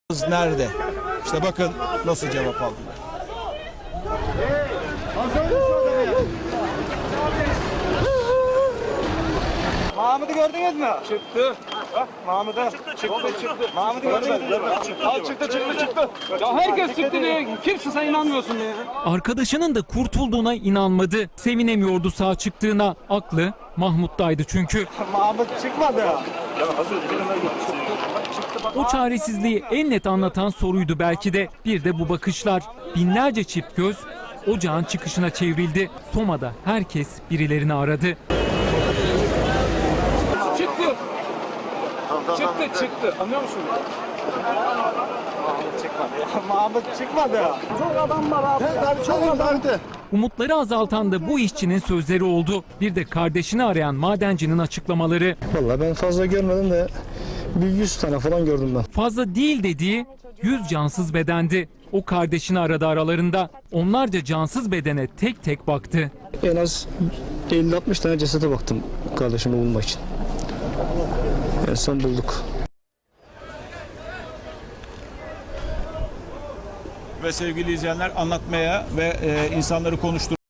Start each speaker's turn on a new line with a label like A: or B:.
A: Nerede? İşte bakın nasıl cevap aldılar.
B: Mahmut'u gördünüz mü? Çıktı. Bak Mahmut'u. Çıktı. Mahmut'u gördünüz mü? Al çıktı.
C: Ya herkes çıktı diye kimse sen inanmıyorsun diye.
D: Arkadaşının da kurtulduğuna inanmadı. Sevinemiyordu sağ çıktığına. Aklı Mahmut'taydı çünkü.
B: Mahmut çıkmadı.
D: O çaresizliği en net anlatan soruydu belki de. Bir de bu bakışlar. Binlerce çift göz ocağın çıkışına çevrildi. Soma'da herkes birilerini aradı.
C: Çıktı. Anlıyor musun?
B: Mahmut çıkmadı. Çok adam var abi. Çok adam.
D: Umutları azaltan da bu işçinin sözleri oldu. Bir de kardeşini arayan madencinin açıklamaları.
E: Vallahi ben fazla görmedim de bir 100 tane falan gördüm ben.
D: Fazla değil dediği 100 cansız bedendi. O kardeşini aradı aralarında. Onlarca cansız bedene tek tek baktı.
E: En az 50-60 tane cesete baktım kardeşimi bulmak için. En son bulduk.
A: Ve sevgili izleyenler, anlatmaya ve insanları konuşturmaya